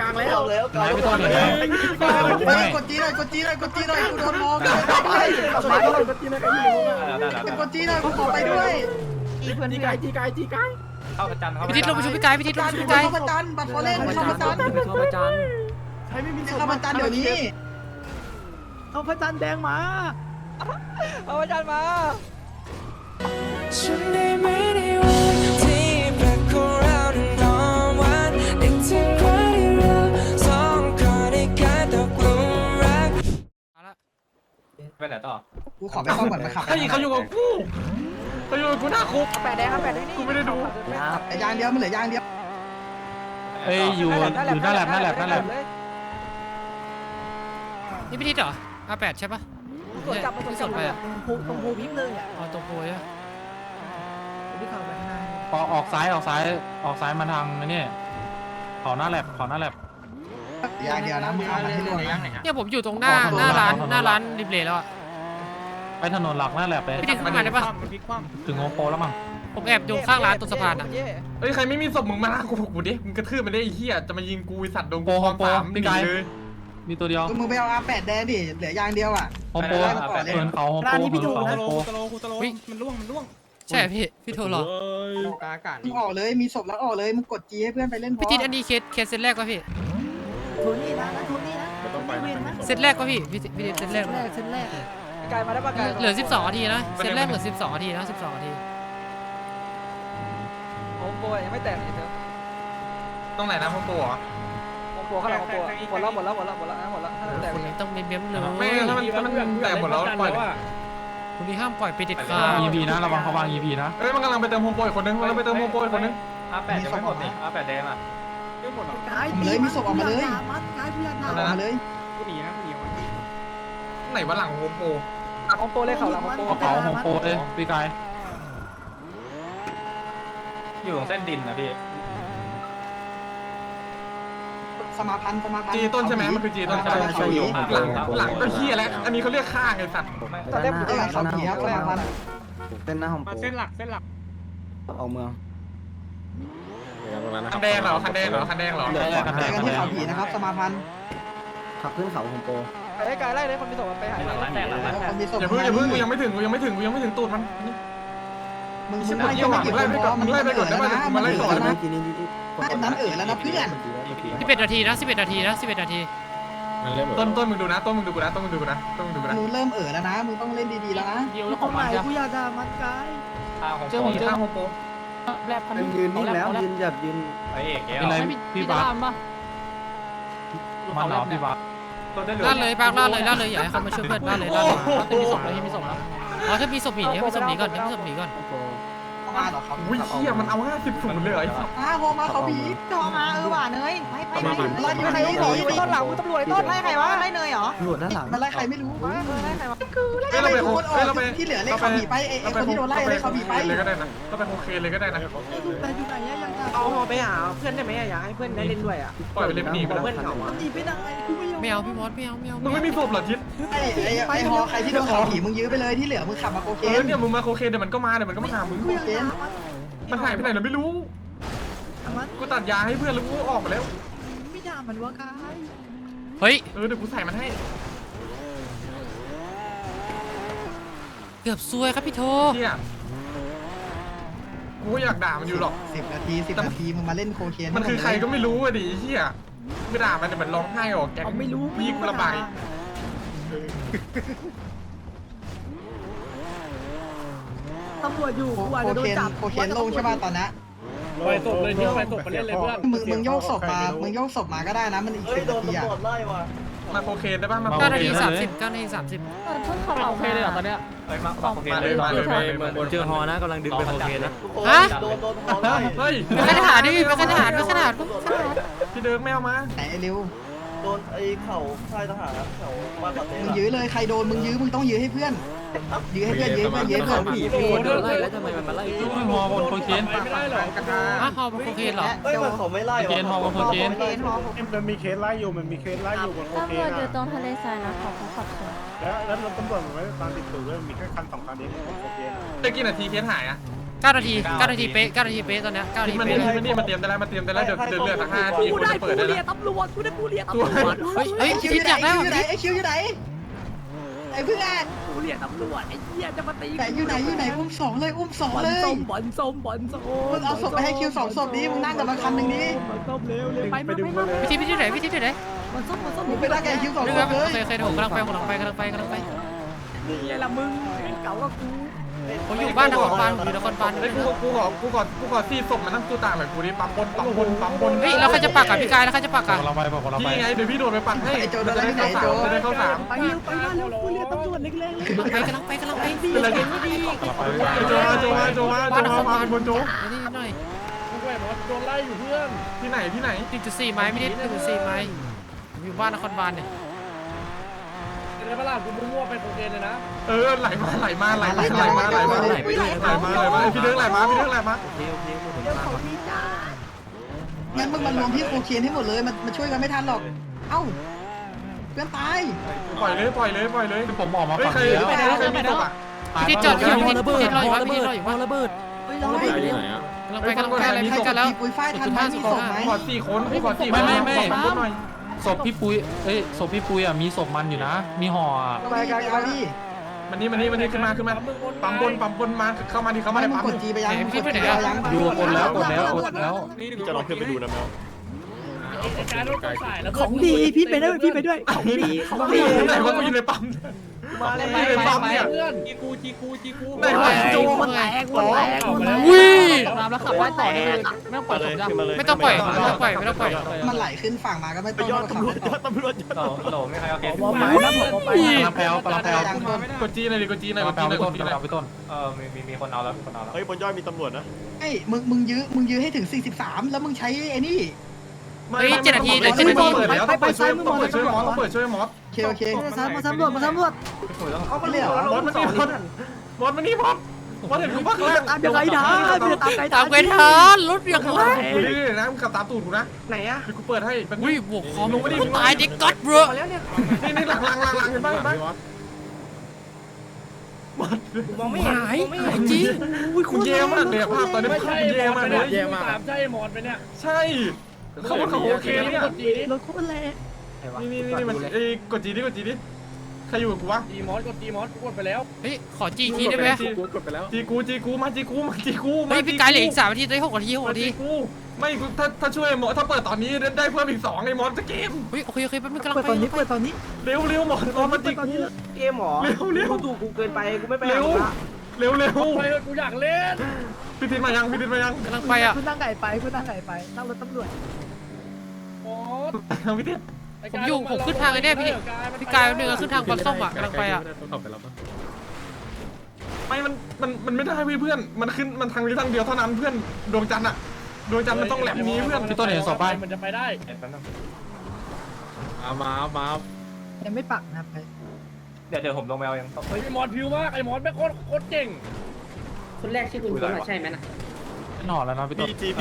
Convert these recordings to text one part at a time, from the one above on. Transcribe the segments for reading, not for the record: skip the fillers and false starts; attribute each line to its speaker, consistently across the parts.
Speaker 1: างแล้ว
Speaker 2: ไม่ต้องเลย
Speaker 3: กดจีหน่อยกูโดนมองกดจีหน่อยกูขอไปด้วย
Speaker 1: จีไกายเข้าประจัน
Speaker 4: พี่ทิศลงไปช่วยพี่ไก่พี่ทิศลงไปช่วยพี่ไก่
Speaker 3: เข้าประจันบัตรฟอเรนเข้าประจัน
Speaker 1: เข้าประจัน
Speaker 3: ใครไม่มีเข้าประจันเดี๋ยวนี้
Speaker 1: เอาพระจันทร์แดงมาเอาพระจันทร์มา
Speaker 5: ฉันได้ไม่ได้วันที่แปลกของเรานอนวันนึกถึงวันที่เราสองคนได้กลายตกหลุมรัก
Speaker 1: ไปไหนต่อ
Speaker 3: กูขอไปซ่อมก่อนมาขับ
Speaker 2: เขาอยู่กับกูหน้าคุก
Speaker 6: แปดแดงครับแปดด้วยนี่
Speaker 2: กูไม่ได้ดู
Speaker 3: ยางเดียวมันเหลือยางเดียว
Speaker 2: เอ้ยอยู่หน้าแลบ
Speaker 4: นี่พี่ทิศเหรอR8ใช่ปะ
Speaker 6: สวนกลับมาสวนไปอ่ะตรงภูพิมพ์เลยอ่ะ
Speaker 4: อ๋อตรงโพยอะ
Speaker 6: พี่เข้าไปข้างหน้า
Speaker 2: ออกซ้ายมาทางนี่ขอหน้าแลบ
Speaker 3: ยางเดียวนะมึงเอามันให้รวมนะ
Speaker 4: เนี่ยผมอยู่ตรงหน้าร้านริมเลแล้วอะ
Speaker 2: ไปถนนหลักหน้าแลบไป
Speaker 4: พี่ทิศขึ้นมาได้ปะ
Speaker 2: ถึงโอโปแล้วมั้ง
Speaker 4: ผมแอบอยู่ข้างร้านตรงสะพานอะ
Speaker 7: เอ้ยใครไม่มีศพมึงมาลากกูดิมึงกระทืบมันได้ไอ้เหี้ยจะมายิงกูไอ้สัตว์โดนกูความสามหนีเลย
Speaker 2: มีตัวเดียว
Speaker 3: มึงไปเอาR8แดงดิเหลือยางเดียวอ่ะ
Speaker 2: โอโปเหินเขาโอโป
Speaker 4: ใช่พี่โทรหรอ
Speaker 3: มึงออกเลยมีศพแล้วออกเลยมึงกดจีให้เพื่อนไปเล่นพอ
Speaker 4: พี่ทิศอันนี้เคสเซตแรกป่ะพี่
Speaker 6: ทุนนี่นะทุนนี่นะเวียนนะ
Speaker 4: เซตแรกป่ะพี่ทิศเซตแรก
Speaker 6: เส้นแรกกายมาได้ปะกาย
Speaker 4: เหลือ12นาทีนะเซตแรกเหลือ12นาทีนะ12นาที
Speaker 6: โอ้โหยังไม่แตกเลยเธอ
Speaker 7: ตรงไหนนะพ่อปู่เหรอ
Speaker 6: โอ้โหข้างหลังโอ้โหหมดแล้วแตก
Speaker 4: คนนี้ต้องเม้มๆเลย
Speaker 7: ไม่ถ้ามันแตกหมดแล้วปล่อย
Speaker 4: คนนี้ห้ามปล่อยไปเด็ดขาด
Speaker 2: EP นะระวังเขาวาง EP นะ
Speaker 7: เอ้ยมันกำลังไปเติมโฮมโปรอีกคนนึงมันกำลังไปเติมโฮมโปรอีกคนนึง
Speaker 1: R8ยังไม่หมดนี่ R8แดงอ่ะ
Speaker 3: เลยมีศพออกมาเลย
Speaker 6: กายพยา
Speaker 3: ออกมาเลย
Speaker 7: ไหนวะหลังโฮมโปร
Speaker 6: โอโปเลยเขาหลังโอโป
Speaker 2: เขาโอโปเลยปีกาย
Speaker 1: อยู่ตรงเส้นดินนะพี่
Speaker 3: สมาพันธ์
Speaker 7: จีต้นใช่ไหมมันคือจีต้นใช่ไหมหลังก็เหี้ยแล้วอันนี้เขาเรียกข้างไอ้สัตว์
Speaker 6: ตอนแรกผม
Speaker 3: เขาผีครับสมาพันธ์
Speaker 8: เป็นหน้าของ
Speaker 1: เส้นหลัก
Speaker 8: ออกเมือง
Speaker 7: คันแดงเหรอ
Speaker 3: แต่กันที่เขาผีนะครับสมาพันธ์
Speaker 8: ขับขึ้นเขาของโป
Speaker 6: ไอ้กายไล่เลยคนมีศพไปหาย
Speaker 3: คนมีศพ
Speaker 7: อย่าเพิ่งกูยังไม่ถึงตูดมัน
Speaker 3: มึงไม่ยังไม่เก็บมันไล่ไปก่อนได้ไหมมันไล่ก่อนนะนั้นแล้วนะเพื่อน
Speaker 4: 11นาทีนะ11นาทีนะ11นาที
Speaker 7: ต้นมึงดูนะต้นมึงดูกูนะ
Speaker 3: มึงเริ่มแล้วนะมึงต้องเล่นดีๆแล้วนะ
Speaker 6: ของใหม่กูอยากด่ามันกาย
Speaker 7: เจอผมข้างโฮมโปร
Speaker 8: ยืนนิ่งแล้วยืนแบบยืน
Speaker 1: ไอเอกแก้ว
Speaker 2: อะไรพี่บาสมันเหรอพี่บาส
Speaker 4: ล่าเลยปากล่าเลยอย่าให้เขามาช่วยเพื่อนล่าเลยมีศพแล้วมีศพแล้วอ๋อถ้ามีศพหนีมีศพหนีก่อนมีศพหนีก่อน
Speaker 3: มาหรอเขา
Speaker 7: อุ้ยเหี้ยมันเอา50-0เลยเหรอไอ้สัตว์
Speaker 3: โฮมาเขาผี
Speaker 9: จอมาหวานเลยไป
Speaker 3: ไล่ใครไม่
Speaker 6: ต้
Speaker 3: รู้
Speaker 6: นหลังมึงตำรวจต้น
Speaker 9: ไล่ใครวะไล่เนยเหรอ
Speaker 8: ตำรวจด้านหลัง
Speaker 3: มันไล่ใครไม่รู้
Speaker 9: ไล่ใครวะ
Speaker 3: เราไปที่เหลือเล่นเขาผีไปไอ้คนที่โดนไล่เล่นเขาผีไป
Speaker 7: เลยก็ได้นะก็ไปโอเคเลยก็ได้นะ
Speaker 6: แต่อยู่ไหนยังจะ
Speaker 9: เอาไปหาเพื่อนได้ไหมอยากให้เพื่อนได้เล่นด้วยอ่ะ
Speaker 7: ปล่อยไปเล่นหนีไปแล้ว
Speaker 9: เพื่อนเขา
Speaker 6: หนีไปไหนกูไม่ยอม
Speaker 4: ไม่เอาพี่มอสไม่เอา
Speaker 7: มึงไม่มีศพเหรอทิศ
Speaker 3: ไอ้ฮอใครที่โดนเขาผีมึงยื้อไปเลยที่เหลือมึงขับมาโอเค
Speaker 7: เนี่ยมึงมาโอเคเดี๋ยวมันก็มาหามึง
Speaker 6: กูอยากด่ามัน
Speaker 7: มันหายไปไหนเราไม่รู้
Speaker 6: มัน
Speaker 7: กูตัดยาให้เพื่อนแล้วกูออกมาแล้ว
Speaker 6: ไม่ด่ามันวะกาย
Speaker 4: เฮ้ย
Speaker 7: เดี๋ยวกูใส่มันให้
Speaker 4: เกือบซวยครับพี่โท
Speaker 7: เที่ยกูอยากด่ามันอยู่หรอก
Speaker 3: 10 นาทีมึงมาเล่นโคเคน
Speaker 7: มันคือใครก็ไม่รู้อ่ะดิเที่ยไม่ด่ามันแต่มันร้องไห้ออกแกไม่รู้ยิงระบาย
Speaker 6: ตำรวจอยู่
Speaker 3: โค
Speaker 6: กูอาจจะโดน
Speaker 3: เคน
Speaker 6: จับ
Speaker 3: โคเคนลงใช่ป่ะตอนนี้
Speaker 1: ไปศพเลยที่ไปศพมาเล่นเลยเพื่อน
Speaker 3: มึงโยกศพมาก็ได้นะมันอีก10 นาทีอ่ะ
Speaker 7: มาโอเคได้ป่ะมา
Speaker 4: 9นาที30 9นาที30
Speaker 9: ชนเขา
Speaker 1: โอเคเลยตอนเนี้ยเฮ้ยมาโอเคเลย
Speaker 8: เจอฮอนะกำลังดึงไปโอเคนะ
Speaker 4: ฮะ
Speaker 7: เฮ้ย
Speaker 4: ไปขนาดดิไปขนาด
Speaker 7: พี่เดิร์กไม่เอามา
Speaker 3: ไหนเร็ว
Speaker 8: โดนไอ้เข่าค่ายทหารเขาบ้านปาเต้
Speaker 3: มึงยื้อเลยใครโดนมึงยื้อมึงต้องยื้อให้เพื่อนยื้อให้เพื่อน
Speaker 8: ผีพี่โดนไล่แล้วทำไมมันมาไล่
Speaker 2: ฮอบนโคเคน
Speaker 1: ไม่ได้หรอ
Speaker 4: ฮะฮอลโคเคนเหรอ
Speaker 8: เอ้ยมันเขาไม่ไล่
Speaker 2: เคนฮอบนโคเคน
Speaker 1: มันมีเคสไล่อยู่บนโอเค
Speaker 9: ตำรวจอยู่ตรงทะเลทรายนะของขับสวน
Speaker 1: แล้วรถตำรวจมันไม่ได้ตามติดตัวด้วยมีแค่คัน2 คันเองของโอเค
Speaker 7: ได้กี่นาทีเคสหายอ่ะ
Speaker 4: 9 นาที 9 นาทีเป๊ะ 9 นาทีเป๊ะตอนเนี้ย 9 นาที
Speaker 7: มัน
Speaker 4: เป๊ะ
Speaker 7: นี่
Speaker 4: เลย
Speaker 7: มันนี่มาเตรียมได้แล้วมาเตรียมได้แล้วเดี๋ยวเดือดสัก5 นาที
Speaker 1: กู
Speaker 7: กู
Speaker 1: ได้
Speaker 7: จะ
Speaker 1: ผู้
Speaker 7: เปิดได้
Speaker 1: เรีย
Speaker 7: แล้ว
Speaker 1: ตำรวจกูได้ผู้เรียตำรวจ
Speaker 4: เฮ้ยเฮ้ย
Speaker 3: คิว
Speaker 4: คิ
Speaker 3: อ
Speaker 4: ด
Speaker 3: ยู่ไหน
Speaker 4: อยากได้
Speaker 3: คิว
Speaker 4: แบ
Speaker 3: อยู่ไหน
Speaker 4: บนี้
Speaker 3: ไอ้คิวอยู่ไหนไอ้เพื่อน
Speaker 1: ผู้เรียตำรวจไอ้เหี้ยจะมาตี
Speaker 3: ไหนอยู่ไหนอยู่ไหนอุ้มสองเลยอุ้มสอง
Speaker 1: บอล
Speaker 3: เลย
Speaker 1: ส้มบอลส้มบอลส้ม
Speaker 3: มึงเอาศพไปให้คิว2 ศพนี้มึงนั่งกับมันคันหนึ่งนี้
Speaker 1: บอลส้มเร็วเร็วไปมาไปมา
Speaker 4: วิธีไหนวิธีไหน
Speaker 1: บอลส้มบอลส้ม
Speaker 3: มึงไปนั่งกับไอ้คิว2
Speaker 4: นึก
Speaker 3: ศ
Speaker 4: ว่า
Speaker 3: พเลย
Speaker 4: เคยผมกำลังไปกำลังไป
Speaker 1: นี่ไงล่ะมึงเก่าก็กู
Speaker 4: ผมอยู่บ้านนครบาลอยู่นครบาล
Speaker 7: ไอ้กูขอซีศพมานั่งตู้ต่างหน่อยกูดิปั๊มบน
Speaker 4: เฮ้ยแล้วใครจะปักอ่ะพี่กายแล้วใครจะปักอ่ะ
Speaker 2: คนละใบบอกคนละใบ
Speaker 7: พี่ไงเดี๋ยวพี่โดดไปปักให้
Speaker 3: ไอ้โจโดนอะไรที่ไหนโจ
Speaker 7: จะได้เข้าสาม
Speaker 1: ไปเร็วไปมาเร็วผู้เรียตำรวจเล็กๆเลย
Speaker 4: กำลังไป
Speaker 1: ดี
Speaker 7: เป็นไร
Speaker 1: เก่งไม่ดี
Speaker 2: คนละใบ
Speaker 7: โจมาบนโจ
Speaker 4: นี่หน่อย
Speaker 7: ที่ไหน
Speaker 4: 1.4 ไม้ไม่ได้1.4 ไม้ผมอยู่บ้านนครบาลเนี่ย
Speaker 7: เออไหลมาพี่เดินไหลมา
Speaker 1: เร็วของดีจ้า
Speaker 3: งั้นมึงมารวมที่โคเคนให้หมดเลยมันช่วยกันไม่ทันหรอกเอ้าเพื่อนตาย
Speaker 7: ปล่อยเลย
Speaker 2: ผมออกมา
Speaker 7: เฮ้ย
Speaker 2: ฝั่ง
Speaker 7: ใคร
Speaker 2: นี้แล้ว
Speaker 7: มีศพอ่ะ
Speaker 4: พี่จอดอยู่พี่รออยู่บ้านพี่รออยู่บ้าน
Speaker 1: ระเบิดเฮ้ยเรา
Speaker 2: ไปที่ไหนอ่ะ
Speaker 4: กำลังไปอะไรใกล้กันแล้ว
Speaker 3: ปุยฝ้ายทันไหมมีศพไหม
Speaker 7: ขอ4 คนขอ4
Speaker 2: ไม่
Speaker 7: หน่อย
Speaker 2: ศพพี่ปุ้ยศพพี่ปุ้ยอ่ะมีศพมันอยู่นะ มีห่ออ่ะ
Speaker 3: ไปกันเอาดิ
Speaker 7: มันนี่ขึ้นมาปั๊มบนมาเข้ามาดิเข้ามา
Speaker 3: ไม่
Speaker 7: ใน
Speaker 3: มึง
Speaker 7: ปั๊ม
Speaker 3: กดจีไปยังกดจีไปยัง
Speaker 2: ดูกดแล้ว
Speaker 8: จะลองขึ้นไปดูนะแมว
Speaker 1: ของดีพี่ไปด้วยของดีของดี
Speaker 7: ไหนว่ากูอยู่ในปั๊ม
Speaker 1: มาเลย
Speaker 7: ในปั๊มเนี่ยไหนวะโจ
Speaker 1: มันแตกมันแตกมันแตก
Speaker 4: อุ้ย
Speaker 8: ตามแล้วขับไล่ต่อเลยไม่ต้องปล่อยขึ้นมาเลย
Speaker 4: ไม่ต้องปล่อย
Speaker 3: มันไหลขึ้นฝั่งมาก็ไม่
Speaker 8: ไป
Speaker 3: ต้อง
Speaker 8: ยอด
Speaker 3: ขับ
Speaker 8: ตำรวจ
Speaker 3: ต่อ
Speaker 8: โหลไม่ใครเอาเคส
Speaker 1: ผมไปนะผมไป
Speaker 2: กำลังแพลว
Speaker 7: กดจีหน่อยดิกดจีหน่อย
Speaker 2: กำลังแพลวพี่ต้น
Speaker 8: มีคนเอาแล้วเฮ้ยบนยอดมีตำรวจนะ
Speaker 3: ไอ้มึงยื้อให้ถึง43แล้วมึงใช้ไอ้นี่
Speaker 7: เปิดแล้วต้องเปิดช่วยมอส
Speaker 3: โอเค
Speaker 1: มาสำรวจ
Speaker 3: เอาไปเลยเหรอ
Speaker 7: มอสมันนี่มอสเห็นกูปะ
Speaker 1: ตามยังไงนะพี่ตามไกล
Speaker 4: ตามเวทานรถอย่างไร
Speaker 7: นี่นะมึงขับตามตูดกูนะ
Speaker 1: ไหนอะ
Speaker 7: กูเปิดให้
Speaker 4: อุ้ยบวกคอมตายดิก๊อตเบรอ
Speaker 1: แล้วเนี่ย
Speaker 7: นี่หลังเห็นป่ะมอส
Speaker 1: มองไม่เห็น
Speaker 4: หายจริง
Speaker 1: อุ้ย
Speaker 7: กูเย่มากเลยภาพตอนนี้กูเย่มากเลย ใช่เขาว่าเขาโอเคเนี่ย
Speaker 1: รถโคตรแรง
Speaker 7: นี่มันกดจีดิใครอยู่กับกูวะ
Speaker 4: เฮ้ยขอจีทีได้ไหม
Speaker 7: จีกูมา
Speaker 4: เฮ้ยพี่กายเหลืออีก3 นาทีได้6 นาที6 นาที
Speaker 7: ไม่ถ้าช่วยหมอถ้าเปิดตอนนี้ได้เพิ่มอีก2ไอ้มอสจะเกม
Speaker 4: เฮ้ยโอเคแป๊บนึงกำลัง
Speaker 1: เปิด
Speaker 4: ไป
Speaker 1: ตอนนี้
Speaker 7: เร็วหมอมาจีกู
Speaker 1: เกมหรอ
Speaker 7: เร็ว
Speaker 1: ถูกกูเกินไปกูไม่ไป
Speaker 7: เร็วกูอยากเล่นพี่ทินมายัง
Speaker 4: กำลังไปอ่ะ
Speaker 1: คุณนั่งไก่ไปนั่งรถตำรวจ
Speaker 7: พี่ทิน
Speaker 4: ผมขึ้นทางไอ้เนี่ยพี่กายนึงขึ้นทางบอลส้มอ่ะกำลังไปอ่ะ
Speaker 7: ไม่มันไม่ได้เพื่อนมันขึ้นมันทางนี้ทางเดียวเท่านั้นเพื่อนดวงจันทร์มันต้องแหลมนี้เพื่อน
Speaker 2: พี่ต้นเห็นศพป่ะ
Speaker 1: ยังไม่ปักนะไป
Speaker 8: เดี๋ยวผมลงแมวยัง
Speaker 9: คนแรกชื่อคุณคุณใช่ไหมนะ
Speaker 2: ห่อแล้วนะพี่ต้น
Speaker 8: จี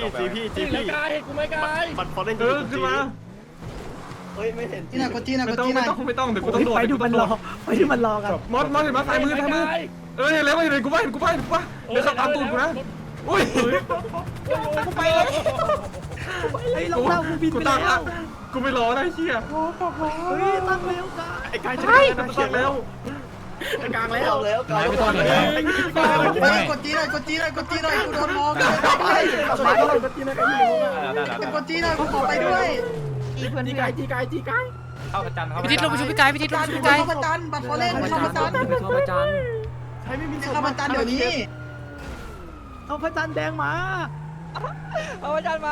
Speaker 8: มันพอเล่น
Speaker 7: ขึ้นมา
Speaker 8: เฮ้ยไม่เห็น
Speaker 3: จีน่ะกดจีน่ะ
Speaker 7: ไม่ต้องเดี๋ยวกูต้องโดด
Speaker 1: ไปดูมันรอกัน
Speaker 7: มอสเห็นมาซ้ายมือเอ้ยแล้วเห็นกูป่ะเดี๋ยวขับตามตูดกูนะอุ้ย
Speaker 1: กูไปเลยไอ้ลงเล่ากูบินไปแล้ว
Speaker 7: กูไม่รอได้เชี่ย
Speaker 1: เฮ้ยตั้งเร็วกัน
Speaker 8: ไอ้กายจะ
Speaker 7: ตัดแล้ว
Speaker 8: กลางแล้ว
Speaker 2: ไหนพี่ต้นเห็นไหม
Speaker 3: กดจีหน่อยกูโดนมองกดจีหน่อยกูขอไปด้วย
Speaker 1: จีไก่
Speaker 8: เข้าประจัน
Speaker 4: พี่ทิศลงไปช่วยพี่กายพี่ทิศลงไปช่วยพี่กาย
Speaker 3: เข้าประจันบัตรฟอเล่นเข้าประจัน
Speaker 1: เข้าประจัน
Speaker 3: ใช้ไม่มีเข้าประจันเดี๋ยวนี้
Speaker 1: เอาพระจันทร์แดงมา
Speaker 6: เอาอาจารย์มา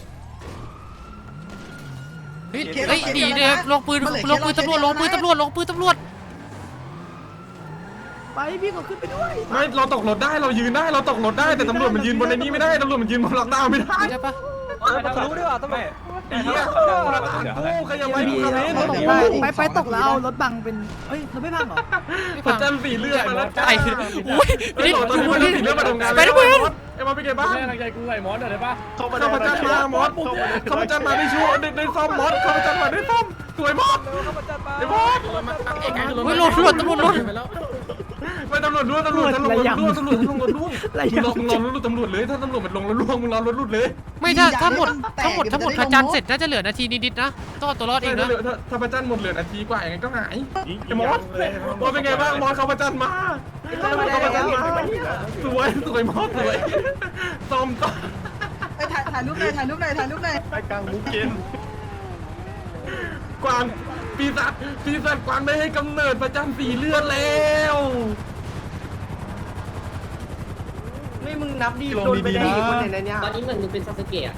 Speaker 4: เฮ้ยหนีเลยลงปืนตำรวจ
Speaker 1: ไปพี่ก็ขึ้นไปด้วย
Speaker 7: ไม่เราตกรถได้เรายืนได้เราตกรถได้แต่ตำรวจมันยืนบนในนี้ไม่ได้ตำรวจมันยืนบนหลังดาวไม่ได้
Speaker 4: ใช่ปะ
Speaker 6: รู้ดีกว่าทำไม
Speaker 7: ไอ้เหี้ยกูขยับไปกูขับเล่น
Speaker 1: ไปตกแล้วเอารถบังเป็นเฮ้ยเราไม่พังเหรอ
Speaker 7: ประจันสีเลือดมาแล้ว
Speaker 4: ไอ้อุ้ย
Speaker 7: ไอ้
Speaker 4: พี่ทิศ
Speaker 7: ตอนนี้มันสีเลือดมาทำงาน
Speaker 4: ไปด้วย
Speaker 7: ไอ้มาไปเก็บบ้าน
Speaker 8: เข้าประ
Speaker 7: ข้าพเจ้ามามอสข้าพเจ้ามาได้ช่วยได้ซ่อมมอสข้าพเจ้ามาได้ซ่อมสวยมอส
Speaker 6: เข้าประจันมา
Speaker 7: ไอ้มอส
Speaker 4: อุ้ยรถตำรวจ
Speaker 7: ไม่ตำรวจด้วยตำรวจล่วงมึงรอรถล่วงตำรวจเลยถ้าตำรวจมันลงแล้วล่วงมึงรอรถหลุดเลย
Speaker 4: ไม่ถ้าหมดพระจันทร์เสร็จน่าจะเหลือนาทีนิดๆนะต้องเอาตัวรอดเองนะ
Speaker 7: ถ้าพระจันทร์หมดเหลือนาทีกว่าอย่างงั้นก็หายไอ้มอสเป็นไงบ้างมอสเขาพระจันทร์มาเขาพระจันทร์มาสวยมอสสวยต้ม
Speaker 3: ไปถ่ายรูปหน่อยถ่ายรูปหน่อยถ่ายรูปหน่อย
Speaker 1: ไปกลางมุกเกน
Speaker 7: กวางปีศาจกวางได้ให้กำเนิดพระจันทร์สีเลือดแล้ว
Speaker 1: ไม่มึงนับดีโดนไปได้กี่คนในนี้
Speaker 9: ตอนนี้เหมือนมึงเป็นซาสึเกะ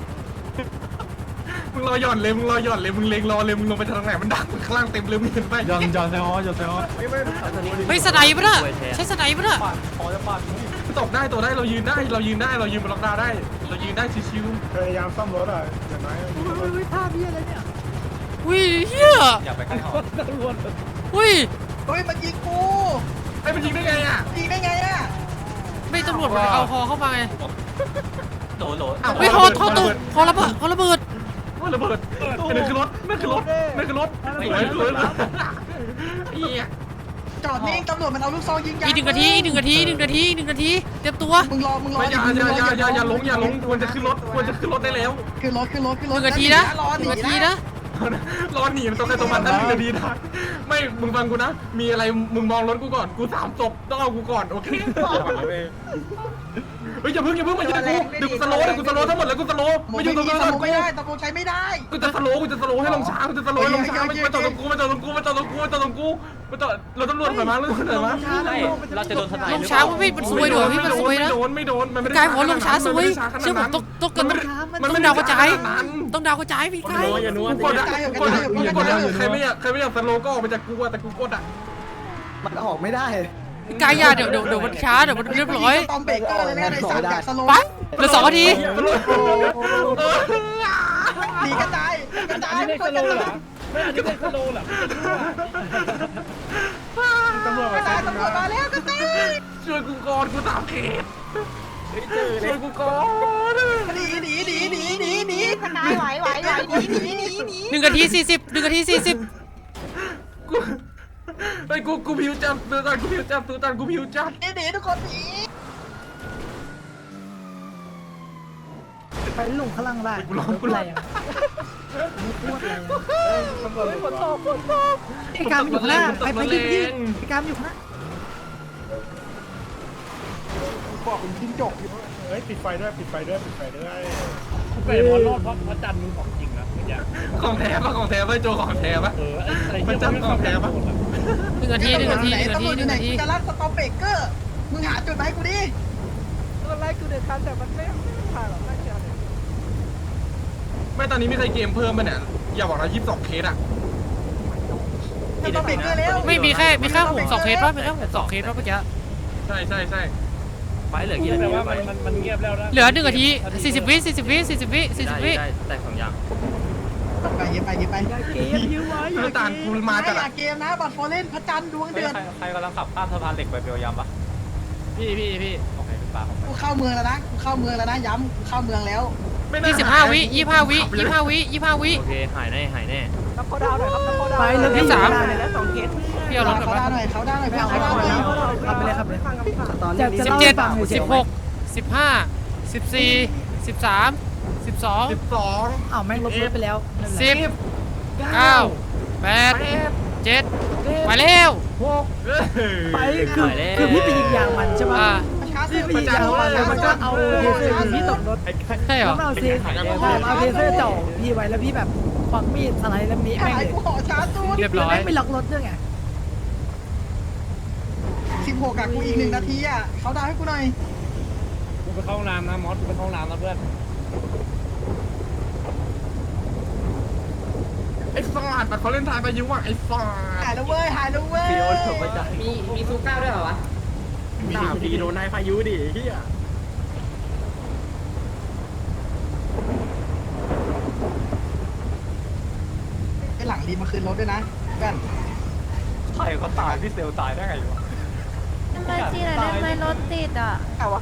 Speaker 7: มึงรอหย่อนเลยมึงเล็งรอเลยมึงลงไปทางไหนมันดักข้างล่างเต็มเลยมึงเห็นไหม
Speaker 2: ยอนเซฮอยอนเซฮอ
Speaker 4: เฮ้ยสไนป์ปะเนี่ยใช้สไนป์ปะเนี่ย
Speaker 1: พอจะปาด
Speaker 7: ตบได้ตัวได้เรายืนได้เรายืนบนล็อกดาวได้เรายืนได้ชิว
Speaker 1: พยายามซ่อมรถอ่ะอย่างน้อยท่าพี่อะไรเนี่ย
Speaker 4: อุ้ยเฮีย
Speaker 2: อย่าไปใกล้หอ
Speaker 1: ตำรวจ
Speaker 4: อุ้ย
Speaker 3: เฮ้ยมันยิงกู
Speaker 7: ๆไอ้มันยิงได้ไงอ่ะ
Speaker 3: ยิงได้ไงอ่ะ
Speaker 4: ไม่ตำรวจมันเอาฮอเข้ามาไง
Speaker 2: โหล
Speaker 4: เฮ้ยฮอตกฮอระเบิดฮอระเบิด
Speaker 7: ว่าระเบิดนั่นคือรถสวยเฮีย
Speaker 3: จอดนิ่งตำรวจมันเอาลูกซองยิงยาง
Speaker 4: อีก1 นาทีเตรียมตัว
Speaker 3: มึงรอ
Speaker 7: ไม่อย่าลงควรจะขึ้นรถได้แล้ว
Speaker 3: ขึ้นรถ
Speaker 4: 1 นาทีนะ
Speaker 3: รอหนี
Speaker 4: 1 นาที
Speaker 3: นะ
Speaker 4: นะ
Speaker 7: รอหนีมันต้องใครตัวมันนั่น1 นาทีนะไม่มึงฟังกูนะมีอะไรมึงมองรถกูก่อนกู3ศพต้องเอากูก่อนโอเคเฮ้ยอย่าเพิ่งมายิงกูเดี๋ยวกูสโลว์ทั้งหมดแล้วกูสโลว์ไม่อยู่ตรงนั้น
Speaker 3: ไม่ได้ตำรวจใช้ไม่ได้
Speaker 7: กูจะสโลว์ให้ลงช้าไม่จอดตรงกูเราตำรวจไปมั้ง
Speaker 2: เราจะโดนทนาย
Speaker 4: ลงช้ามันซวยเดี๋ยวพี่มันซวยนะ
Speaker 7: ไม่โดนมันไม่ได้
Speaker 4: กายหัวลงช้าซวยเชื่อผมต้องดาวกระจายพี่กาย
Speaker 7: กูกดใครไม่อยากสโลว์ก็ออกไปจากกูแต่กูกดอ่ะ
Speaker 1: มันออกไม่ได้
Speaker 4: กายอย่าเดี๋ยวมันช้าเดี๋ยวมันเรียบร้อย
Speaker 3: ตอมเบรกเกอร์เลยนะในสามจากสโลว์
Speaker 4: ไปเหลือ2 นาที
Speaker 3: หนีกระจาย
Speaker 1: ไม่สโลว์เหรอไม่อันนี้เป็นสโลว์เหรอตำรวจ
Speaker 3: กระจายตำรวจมาแล้วกระจาย
Speaker 7: ช่วยกูก่อนกู3 เขตช่วยกูก่อน
Speaker 3: หนีกระจายไหวหนี
Speaker 4: 1 นาที 40 1 นาที 40
Speaker 7: กูไอ้กูผิวจับตัวตันกูผิวจับ
Speaker 3: หนีทุกคนหนี
Speaker 1: ไปลงข้างล่างได้
Speaker 7: กูร้องกูแรง
Speaker 1: ฝนตกไอ้กามอยู่ข้างหน้าไปยิงพี่ไอ้กามอยู่ข้างหน้าบอกคุณจิ้งจกอยู่เฮ้ยปิดไฟด้วยไปมอนรอดเพราะพระจันทร์มึงของจริงนะไม่อยาก
Speaker 7: ของแท้ป่ะโจของแท้ป่ะมันจับของแท้ป่ะ
Speaker 4: 1 นาที
Speaker 3: ตำรวจอยู่ไหนจะรับสตอมเบรกเกอร์มึงหาจุดมาให้กูดิ
Speaker 1: ไล่กูเด็ดทันแต่มันไม่ผ่านหรอกไม่เชื่อ
Speaker 7: ไม่ตอนนี้มีใครเกมเพิ่มป่ะเนี่ยอย่าบอกนะ22 เคสอ่ะ
Speaker 3: สตอมเบรกเกอร์แล้ว
Speaker 4: ไม่มีแค่ผม2 เคสป่ะมีแค่ผม2 เคสป่ะเมื่อกี้
Speaker 7: ใช่
Speaker 2: ไปเหลือกี่
Speaker 1: แต่
Speaker 2: นาที
Speaker 1: ว่ามันเงียบแล้วนะ
Speaker 4: เหลือ1 นาที 40 วิ
Speaker 2: ได้2 อย่าง
Speaker 3: ไป
Speaker 1: เกมยื้อไว้
Speaker 7: น้ำตาลกูมา
Speaker 3: ไม่
Speaker 7: จาก
Speaker 3: อยากเกมนะบัตรฟอร์เรนพระจันทร์ดวงเดือน
Speaker 2: ใครกำลังขับข้ามสะพานเหล็กไปเปียวยามปะพี่โอเคเป็นปลาของ
Speaker 3: กูเข้าเมืองแล้วนะย้ำกูเข้าเมืองแล้ว
Speaker 4: 25 วิ25 วิ25 วิ
Speaker 2: โอเคหายแน่
Speaker 1: นับเขาดาวหน่อยครับนับเขาดาว
Speaker 4: ไปเลยที่ 3
Speaker 1: แล้ว2 เคส
Speaker 4: พี่เอารถกลับ
Speaker 3: เขา
Speaker 4: มา
Speaker 3: ได้หน่อยเขาได้หน่อยพี่เขาได้หน่อย
Speaker 1: ขับไปเลยครับเลยตอน
Speaker 4: 17 16 15 14 13 12
Speaker 7: 12
Speaker 1: อ้าวแม่งลบรถไปแล้ว
Speaker 4: 10 9 8 7ไปแล้ว
Speaker 1: ไปคือพี่ไปยิงยางมันใช่ไหม
Speaker 3: ช้า
Speaker 1: พี่
Speaker 3: สุด
Speaker 1: ไปยิงยางมันแล้วมันก็เอาเทเซอร์พี่ตกรถ
Speaker 4: ใช่เหรอ
Speaker 1: เอาเทเซอร์จ่อพี่ไว้แล้วพี่แบบควักมีดสไลด์แล้วมีแม่ง
Speaker 3: หาย
Speaker 1: เลย
Speaker 3: กูขอช้าสุด
Speaker 4: เรียบร้อย
Speaker 1: แม่งไม่ล็อกรถด้วยไง
Speaker 3: 16กับกูอีก1 นาทีอ่ะเขาดาวให้กูหน่อย
Speaker 1: กูไปเข้าห้องน้ำนะมอสกูไปเข้าห้องน้ำนะเพื่อน
Speaker 7: ไอ้ฟาดเขาเล่นทายไปยุ่งว่ะไอ้ฟาด
Speaker 3: หายแล้วเว้ย
Speaker 9: มีซูก้าด้วยเหรอวะ
Speaker 1: พี่โดนนายพายุดิเฮีย
Speaker 3: ไอ้หลังรีบมาคืนรถด้วยนะเพื่อน
Speaker 2: ใครเขาตายพี่เซลตายได้ไงวะ
Speaker 10: ทำไมจีน่ะทำไมรถติดอ่ะ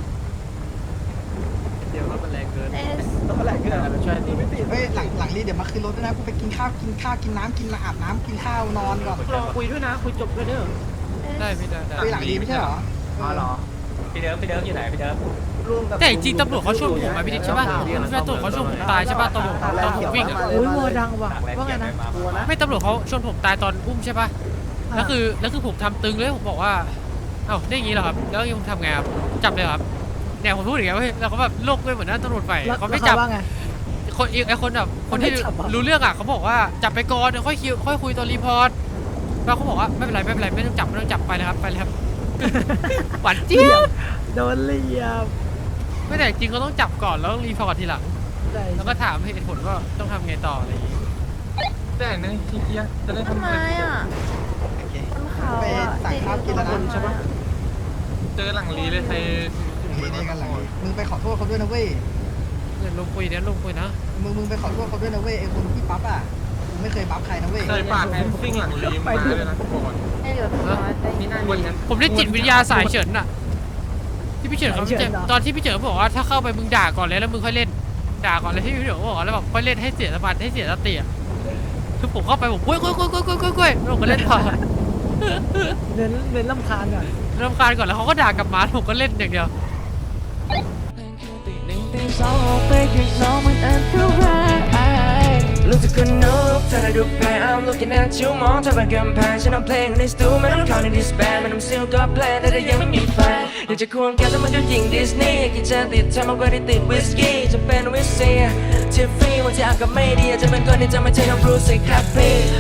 Speaker 2: เดี๋ยวรถมันแรงเกิน
Speaker 10: เอส
Speaker 1: ต้องอะไรกันช่วยนี่ไม่ติด
Speaker 3: เฮ้ยหลังรีบเดี๋ยวมาคืนรถด้วยนะกูไปกินข้าวกินน้ำกินอาบน้ำกินข้าวนอนก่อน
Speaker 1: รอคุยด้วยนะคุยจบด้วยเด้อ
Speaker 10: เอ
Speaker 4: ได้พี่ได้
Speaker 3: ไปหลังดีไม่ใช่เหรอ
Speaker 6: อ๋อเหรอพี่เดิมอยู่ไหนพี่เดิม
Speaker 4: แต่จริงๆตำรวจเขาช่วยผมมาพี่ดิ๊กใช่ป่ะผมช่วยตำรวจเขาช่วยผมตายใช่ป่ะตอนผมวิ่งอ่ะ
Speaker 6: อุ้ยโมดังว่ะว่าไงนะกลัวนะ
Speaker 4: ไม่ตำรวจเขาชนผมตายตอนอุ้มใช่ป่ะแล้วคือผมทำตึงเลยผมบอกว่าเอ้าได้อย่างงี้เหรอครับแล้วยังทำไงครับจับเลยครับเนี่ยผมพูดอย่างเงี้ยเว้ยแล้วเขาแบบโลกเลยเหมือนนั่นตำรวจไปเขาไม่จับคนอีกไอ้คนแบบคนที่รู้เรื่องอ่ะเขาบอกว่าจับไปก่อนเดี๋ยวค่อยคุยตอนรีพอร์ตแล้วเขาบอกว่าไม่เป็นไรไม่ต้องจับไปเลยครับหวานเจี๊ยบ
Speaker 6: โดนเลียบ
Speaker 4: ไม่แต่จริงเขาต้องจับก่อนแล้วรีพอร์ตทีหลังแล้วก็ถามเหตุผลว่าต้องทำไงต่ออะไรอย่างงี้
Speaker 7: แต่ในทีเกียจะได้
Speaker 10: ต้น
Speaker 7: ทำไง
Speaker 10: ไม้อ่ะ
Speaker 3: โอเค
Speaker 10: ต้นเขา
Speaker 3: ไป
Speaker 10: อ่ะ
Speaker 3: สั่งข้าวกินแล้วนะ
Speaker 10: ใช่ปะ
Speaker 7: เจอหลังลีเลยใคร
Speaker 3: นี่กันหลังมึงไปขอโทษเขาด้วยนะเว้ย
Speaker 4: เงินลงคุยนะ
Speaker 3: มึงไปขอโทษเขาด้วยนะเว้ยไอ้คนที่ปั๊บอ่ะมึงไม่เคยปั๊บใครนะเว้ย
Speaker 7: เคยปากแอนซิ่งหลังลีมาเลยนะก่อน
Speaker 10: ไม่เหลือพี่น้อยไป
Speaker 9: นี่น่ามีนะ
Speaker 4: ผมได้จิตวิทยาสายเฉินน่ะที่พี่เฉินเขาตอนที่พี่เฉินบอกว่าถ้าเข้าไปมึงด่าก่อนเลยแล้วมึงค่อยเล่นด่าก่อนเลยที่พี่เฉินบอกแล้วแบบค่อยเล่นให้เสียสมาธิให้เสียสติอ่ะคือผมเข้าไปผมกุ้ยแล้วผมก็เล่นต่อ
Speaker 6: เน้นลำคาญก่อน
Speaker 4: รำคาญก่อนแล้วเขาก็ด่ากลับมาผมก็เล่นอย่างเดียว
Speaker 5: รู้สึกคนนุกเธอได้ดูแพ้ I'm looking at you มองเธอเป็นกำแพงฉันเอาเพลงในสตูไม่ต้องเข้าในดิสแบนไม่ต้องซิลก็แพลนแต่ถ้ายังไม่มีแฟนอยากจะควงแก้วแต่มันก็ยิงดิสนีย์กินจะติดเธอมากกว่าที่ติดวิสกี้จะเป็นวิสเซียทิฟฟี่วันที่อากาศไม่ดีอาจจะเป็นคนที่จะไม่ใช่น้องบรูซสิครับพี่